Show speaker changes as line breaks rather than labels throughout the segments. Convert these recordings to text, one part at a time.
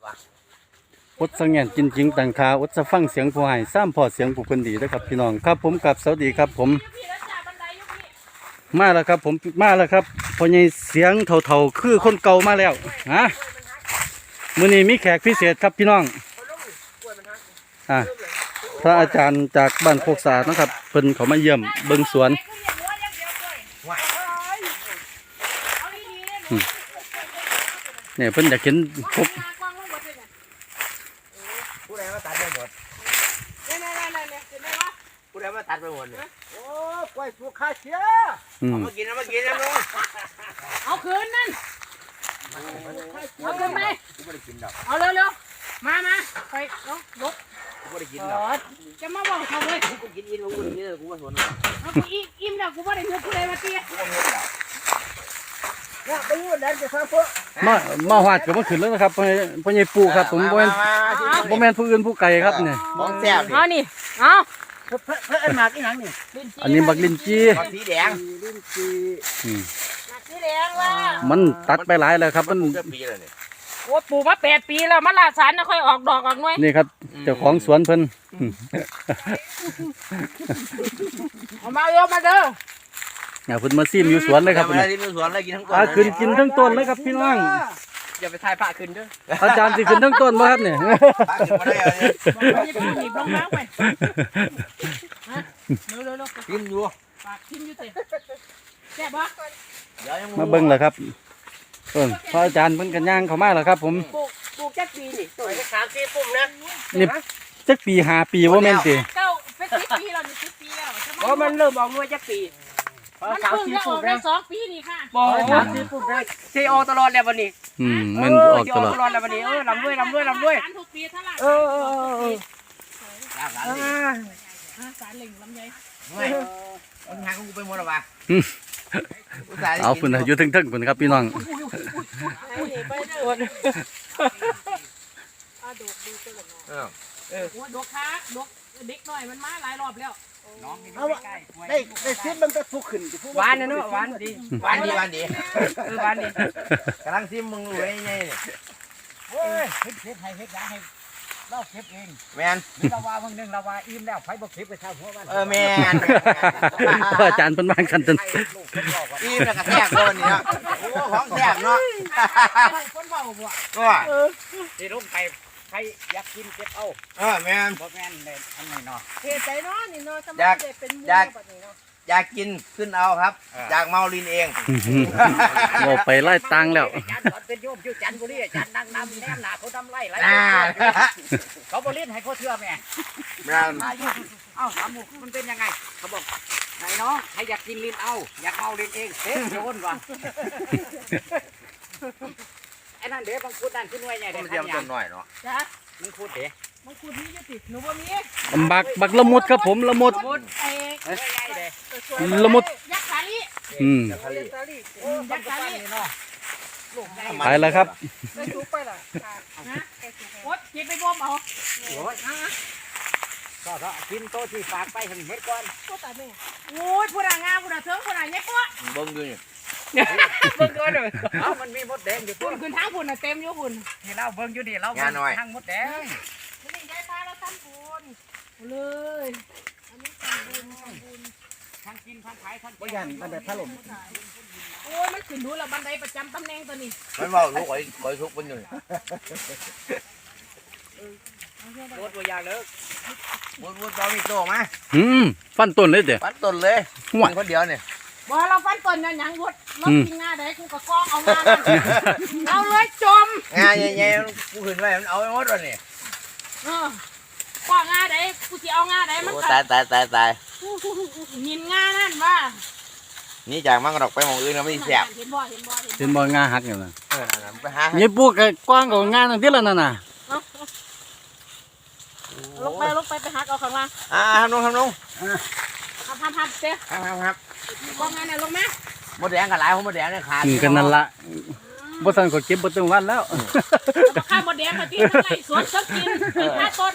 อดสังเงนจริงๆต่างคาอดจะฟังเสียงผู้ให้ซ้ำพอเสียงผู้คนดีนะครับพี่น้องครับผมกับสวัสดีครับผมมาแล้วครับผมมาแล้วครับพอใหญ่เสียงเท่าๆคือคนเก่ามาแล้วฮะมื้อนี้มีแขกพิเศษครับพี่น้องพระอาจารย์จากบ้านโคกสานะครับเพิ่นเขามาเยี่ยมเบิ่งสวนเนี่ยเพิ่นอยากเห็นพบ
ผู้ใดมาตัดไปหมดผู้ใดมาตัดไปหมดเนี่ยโอ้กล้วยสุกข้าเชียเอามากินลุง
เอาคืนนั่นเอาคืนไป
กูไม่ได้กินดอก
เอาเร็วๆมาไปลุก
กูไม่ได้กินดอก
จะมาบอกเขาเลย
กูกินอิ่มกูกินกูไม่สน
เอากูอิ่มแล้วกูไม่ได้เงินกูเลยมาเตี้ย
เนี่ยไปอยู่แดนจะฟังพวก
มาหวาดกับมาขึ้นแล้วนะครับพ่อใหญ่ปู่ครับผมบ่แม่นผู้อื่นผู้ไกลครับเนี่ย
มองแซ่บ
เอานี่เอา
เพื่อนมากี่หนังนี่
อันนี้บักลินจี
สีแดงลิ้นจี
สีแดงว่า
มันตัดไปหลายแล้วครับมัน
โอ้ปลูกมา8 ปีแล้วมันลาสารนะค่อยออกดอกออกหน่วย
นี่ครับเจ้าของสวนเพิ่น
เอามาเร็วมาเด้อ
เพิ่นมาซิมอยู่สวนเลยครับ
มาซิมอยู่สวนเลยกินทั้งต้น
ขึ้นกินทั้งต้นเลยครับพี่น้อง
อย่าไปทายพระขึ้นเด้อ
อาจารย์สิขึ้นทั้งต้นบ่ครับเนี่ย
พระขึ้นมาได้
หนีบลงน้ำไปเร็ว
กินอยู่
ปากกินอยู่เตะแซ่บบ่
มาเบิ่งเลยครับพระอาจารย์เพิ่นกันย่างเข้ามาแล้วครับผม
ปลูกจักปีนี่ตัว3-4ปุ่มนะ
นี่จักปี5 ปีบ่แม่นติ
เก้าเป็น10 ปีแล้วนี่10 ปีแล้วเพราะมันเริ่มออกหน่วยจักปีมันเพิ่งจะออกได้2 ปีนี่ค่ะ
3-4 ปุ่มได้ซีโอตลอดแล้ววันนี้
มันออกตลอด
แล้ววันนี้ลำด้วย
ทุกปีเท่าไหร่สารเหล่งลำไย
มันหางกูไปหมดแล้ววะ
เอาฝุ่นอยู่ทึ่งๆฝุ่นครับพี่น้อง
ไปเด้อดกดีจังเลยดกค้าดกเด็กหน่อยมันมาหลายรอบแล้ว
น้องได้ซิมมันก็ทุกขึ้น
หวานนะเนาะหวานดี
หวานดีกำลังซิมมึงรวยไง
เฮ้ยเฮ็ดให้เราเก็บเอง
แมน
เราว่าเพิ่งนึงเราว่าอิ่มแล้วไผบ่เก็บไปเท่าหัวบ้าน
แมน
อาจารย์เพิ่นวางกันจน
อิ่มแล้วก็แซ่บคนนี้เนาะโอ้ของแซ่บเนาะ
คนเว้าบ่
ก็
สิลงไปใครอยากกินเก็บเอา
แมน
บ่แม่นเลยอันนี้เนาะ
เฮ็ดใจเนาะนี่เนาะทำไมได้เป็นหมู่แบบนี้เนาะ
อยากกินขึ้นเอาครับอยากเมาลินเอง
โง่ไปไล่ตังแล้ว
จันเป็นโยมอยู่จันบุรีจันดังนำแนมหนาเขาทำไล่เขาบริษัทให้เขาเชื่อแม่เอ้าถามหมู่มันเป็นยังไงเขาบอกไหนน้องใครอยากกินลินเอาอยากเมาลินเองเฮ้ยโยนว่ะไอ้นั่นเดี๋ยวบางคุดนั่นขึ้นไว้ไงเดี๋ยว
เดี๋ยวต้นหน่อยเนาะ
จ้ะ
มึงคุดเดี๋ยว
มังคุดนี้จะติดหนูบ่มี
บักละมุดครับผมละมุดละมุด
ยักษ์สาลี
ยักษ์สาลี
ไปแล้วครับ
ไปสูบไปล่ะโอ๊ยเก็บไปบ่มเอา
ก็กินโต๊ะที่ฝากไปเห็นเม็ดก่อน
โอ้ยผู้ด่างามผู้ด่าเถิงผู้ด่าเนี่ยปุ๊
เบิ้งดูนี่
เบิ้งก่อนเลย
มันมีมดแดงอยู่
คุณทางคุณน่ะเต็มอยู่คุณ
นี่เราเบิ้งอยู่ดิเราทางมดแดง
นี่ยายพาเราทำบุญเลยอันนี้ทำบุญ
ทางกินทางขายทาง
บ่ยันมันแบบถล่ม
โอ้ยมันขึ้นดูแล้วบันไดประจำตำแหน่งตัวนี้
มันบอกลูกไอ้ทุกคนอยู่
รถตัวยาเลิก
วุ้นจอมีโตมา
ฟันต้นเลยเด้
ฟันต้นเลยคนเดียวเนี่ย
บ่เราฟันต้นเนี่ยยังวุ้นรถกินงาได้กูก็กองเอางาเอาเลยจม
งาใหญ่ๆกูขึ้นไปมันเอาไปหมดเลยนี่
กองงาได้กูจะเอางาได้มัน
ตาย
มินงานั่นว่า
นี่จากมันกระดกไปมองอื่นเราไม่แสบ
เห็นบ่
งาหักอยู่นะ
ไปหา
นี่พวกกว้างกว่างาตั้งที่ละนั่นน่ะ
ลงไปหักเอาข้างล่าง
ทำลง
ทำเจ๊
ครับ
กองงานเนี่ยลงไหม
มดแดงกับหลายผมมดแดงเนี่ยขาด
กันนั่นละบ่ทันก็เก็บบ่ตึงวันแล้ว
ข้าวมดแดงมาที่ไหนสวนสักกิน5 ต้น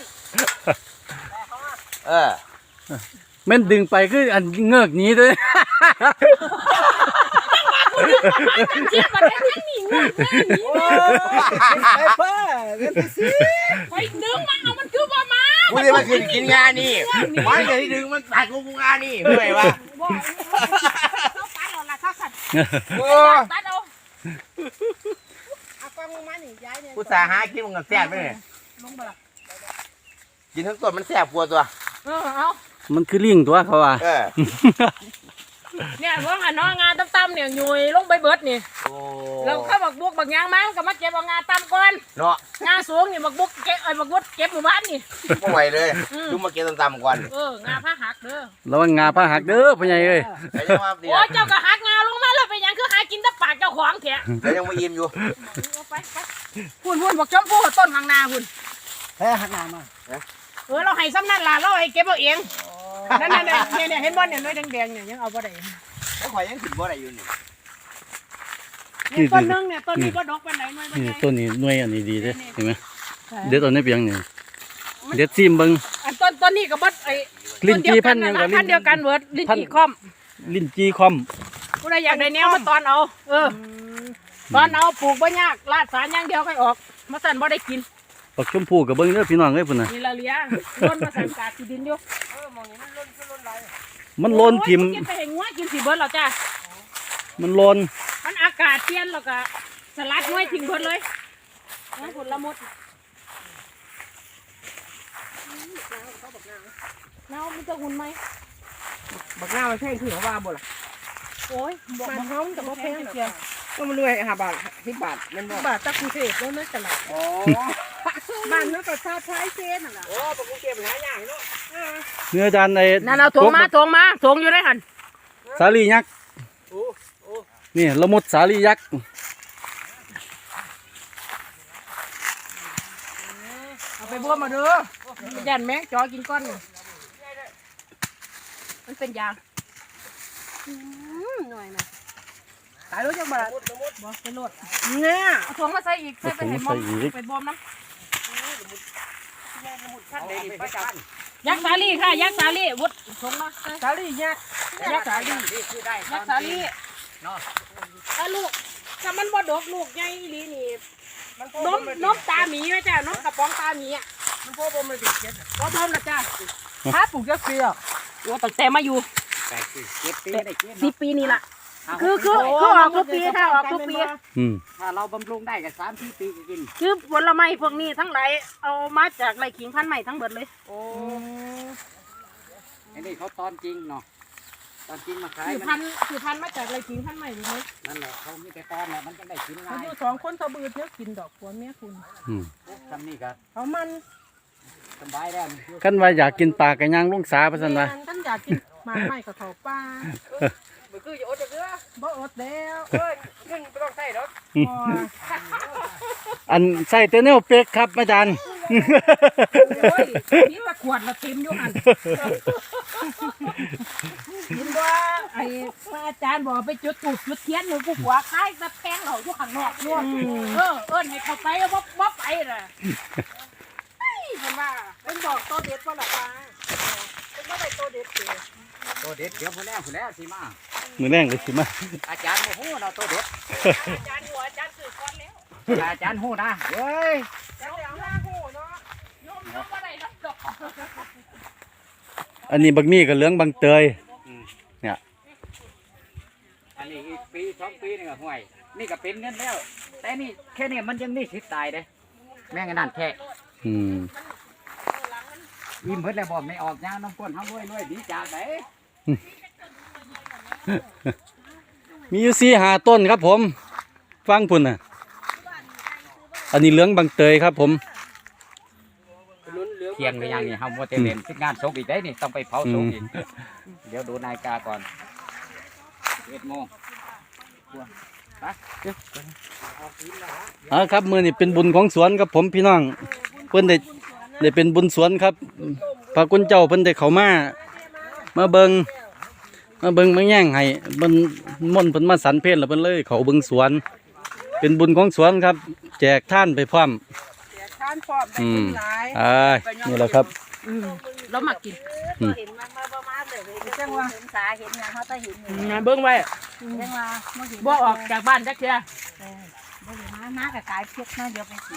แม่นดึงไปคืออันเงือกหนีด้วย
เจี๊ยบมาได้ยังหนีเงือก
ไ
ไปดึงมาเอามันคือบ่มา
กูเลยมาขึ้นกินงานนี่มันจะที่ดึงมันตัดกูงานนี่เมื่อยวะ
บ่เขาปัดเอาละเขาสัตว์
โอ้
ปัดเอา
เอากล้องมานี่ย้ายเนี่ย
กูสาหากินมันกับแซ่บไปเลย
ลงบ่ล่ะ
กินทั้งต้นมันแซ่บกว่าตัว
เอา
มันคือลิงตัวเขาว่า
เนี่ยพวกหันน้องงาตั้มๆเนี่ยยุยลงไปเบิดนี่
โอ้
แล้วเข้าบักบุกบักยางมาก็มาเก็บเอางาตั้มก่อน
เนาะ
งาสูงนี่บักบุกเก็บบักบุกเก็บหมู่บ้านนี่
ไม่ไหวเลยดูมาเก็บต่ำๆก่อน
งาผ้าหักเด้อ
ระวังงาผ้าหักเด้อพ่อใหญ่เอ้ย
แต่ยังว่าดี
โอ้เจ้าก็หักงาลงมาแล้วไปยังคือหากินแต่ปากเจ้าของแท้
แต่ยังไม่อิ่มอยู่
ไปพุ่นบักชมพู่ต้นข้างหน้าพุ่น
แพ้หักหน้ามา
เราให้ซ้ำนั่นล่ะเราให้เก็บเอาเองนั่นเนี่ยเห็นบ่เนี่ยน้อยแดงๆเนี่ยยังเอาบ่ได้
แล้วข่อยยังขึ้นบ่ได้อยู่นี่
ต้นนึงเนี่ยต้นนี้บ่ดอกปานใดน้อยบ่
นี่
ใหญ่
ต้นนี้หน่วยอันนี้ดีเด้เห็นไหมเด็ดเอาในเปียงนี่เด็ดซิมเบิ่ง
อันต้นนี้ก็บ่ไอ้
ลิ้นจี่พันธุ์หยังกับ
พันธุ์เดียวกันเบิดลิ้นจี่คอม
ลิ้นจีคอม
ผู้ใดอยากได้แนวมาตอนเอาตอนเอาปลูกบ่ยากลาดสารอย่างเดียวค่อยออกมาสั่นบ่ได้กิน
ปักชมพู่กับเบิ่งเด้อพี่น้องเอ้ยพุ่นน่ะ
นี่ละเลียล้นมาสั่นกาดที่ดินอยู่
มันโลนทิ่ม
กินไปให้งัวกินสิเบิดแล้วจ้า
มันโลน
มันอากาศเปลี่ยนแล้วก็สลัดงัวทิ้งเบิดเลยน้ำผลละมุดน้ำมันจะหุ่นไหม
บักหน้ามันแพงคือเขาว่าบ่ล่ะ
โอ้ยบอกมาเขาแต่ว่าแพงเกียว
ก็มันรวย5 บาท10 บาทมันบ่
บาทตะกุเทศแล้วนั่นตลาด
อ๋อ
บ้านนั้นก็ชาใช้เซนน่ะ
โอ้ปกเก็บหายากเนาะ
เนื้อจานไอ้
นั่นเอาถงมาอยู่ได้หัน
สาลียักษ์นี่ละมุดสาลียักษ์
เอาไปบัวมาเด้อยันแมงจอกินก้อนนี่มันเป็นยางหน่อยนะ
ตายรู้จักบ่ล่ะ
บ่เป็นโลด
เนี่ย
เอาถงมาใส่อีกใส่ไปให้มอมไปบอมน้ำยักษ์สาลีค่ะยักษ์สาลีวุดถงมา
สาลียักษ์
ยักษ์สาลียักษ์สาลีถ้าลูกถ้ามันบ่ดกลูกใหญ่อีหลีนี่นมตาหมีไหมจ้านมกระป๋องตาหมีอ่ะ
มันพ่อบ่มันติดเก็บ
บ่พร้อมนะจ้า
ถ้าปลูกจักปีอ่ะ
โอ้ตั้งแต่มาอยู่
8 ปีได้กิน
10 ปีนี่ล่ะคือออกทุกปีค่ะออกทุกปี
ถ้าเราบำรุงได้ก็3-4 ปีก็กิน
คือผลไม้พวกนี้ทั้งหลายเอามาจากไร่ขิงพันธุ์ใหม่ทั้งเบิดเลย
โอ้
อันนี้เขาตอนจริงเนาะตอนจริงมาขาย
คือ
มั
พั
น
นธุ์คือพันธุ์มาจากไร่ขิงพันธุ์ใหม่เลย
นั่นแหละเขามีแต่ตอนแหละมันจะได้กิน
เขา
ง่าย
อยู่2 คนเขาบืดเนื้อกินดอกผัวเมียคุณ
ทำนี่ก็
เขามัน
สบายแล้ว
กันว่าอยากกินปลากระย่างลงสาประสันว่า
ท่านอยากกินหมากไม้กับเขาป้า
บ่คือจะอดจักเด้อ
บ่อดแล้ว
เอ้ยเงินบ่ต้องใช้ดอก
อันใส่เตเนลเป็กครับอาจารย์
โอ้ยนี่ตะขวดละเต็มอยู่หันเห็นว่าไอ้อาจารย์บอกไปจุดตูดจุดเทียนหนูผู้หัวคล้ายตะแพงเราอยู่ข้างนอกนู่นเอิ้นให้เขาไปบ่ไปล่ะเฮ้ยเพิ่นว่าเพิ่นบอกโตเด็ดบ่ล่ะป้าเพิ่นบ่ได้โตเด็ดเด้
ตัวเด็ดเดี๋ยวผู้แล้วสิมา
มือแรงเลยสิมา
อาจารย์โมโหเราตัวเด็ด
อาจารย์หัวอาจารย์สื่อก่อนแล้ว
อาจารย์หูนะเว้ย
แล้วหน้าหูเนาะโยมบ่ได้รับดอก
อันนี้บักมี่กับเหลืองบางเตย
อันนี้อีกปี2 ปีนี่ก็ห่วยนี่ก็เป็นเงินแล้ว แต่นี่แค่นี้มันยังมีสิทธิ์ตายเด้แม่งนั่นแค่
อืม
อิ่มเพิ่นแล้วบ่ไม่ออกยางน้ำก้นเฮาด้วยดีจากไหน
มีอยู่4-5 ต้นครับผม ฟังพุ่นน่ะ อันนี้เหลืองบางเตยครับผม
เที่ยงก็ยังนี่เฮาบ่ได้เล่นสิงานศพอีกได้นี่ต้องไปเผาศพอีกเดี๋ยวดูนาฬิกาก่อน11 โมง
ครับมือนี่เป็นบุญของสวนครับผมพี่น้องเพิ่นได้เป็นบุญสวนครับพระคุณเจ้าเพิ่นได้เข้ามาเบิงมาแย่งให้เพิ่นม่นต์เพิ่นมาสรรเพลแล้วเพิ่นเลยเขาเบิงสวน เป็นบุญของสวนครับ แจกท่านไปพร้อม
ทานพร้อมได้กินหลาย
นี่แหละครับ
เรามากิน
เห็นมันมาบ่มาเลยจังว่าเห็นสาเห็นหยังเขาจะเห็นอยู่
เบิ่งไว้
จังว่าบ่เห็น
บ่ออกจากบ้านจักเทื่อ
บ่เห็นมามากับกายเพียกนะเดี๋ยวไปสิ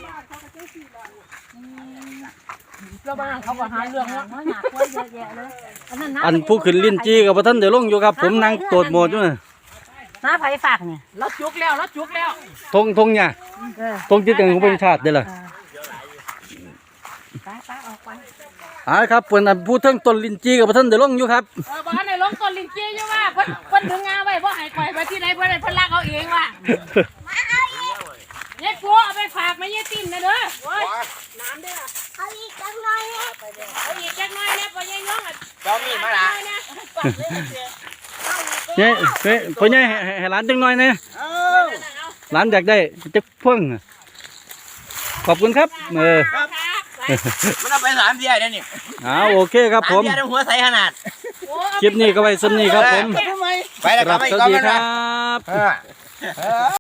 แล้วบ้านเขาก็หาเรื่องว่า
หนักว่าเยอะแยะเลย
อันผู้ขึ้นลิ้นจี้กับบ่ทันได้ลงอยู่ครับผมนั่งโตดโหมดอยู่น่ะ
น้าไผฝากเนี่ย
เราจุกแล้วเราจุกแล้ว
ทงเนี่ยทงจิตกันของประชาติเด้อล่ะ
ป้าออกไป
ครับเพิ่นอันผู้เทิงต้นลิ้นจี้กับบ่ทันได้ลงอยู่ครับ
บ้านในลงต้นลิงจี้อยู่ว่าเพิ่นถึงงาไว้บ่ให้ข่อยไปที่ไหนเพิ่นลากเอาเองว่ะยายปัวเอาไปฝากแม่ยายติ้นนะเด้อโอ้ยน้ำเด้อเอาอีกจักหน่อยนะพ่อยายน้องอ่ะ
เจ้ามีมาละ
เนี่ยพ่อใหญ่ให้หลานจังหน่อยนะหลานอยากได้จักพ่วงขอบคุณครับ
มันเอาไป3เดือนแล้วนี่
โอเคครับผม
3เดือนหัวใสขนาด
คลิปนี้ก็ไว้ซ้ำนี้ครับผม
ไปแล้ว
ครับ
ไป
สวั
ก่อ
ส
น
ดี
นะ
ครับ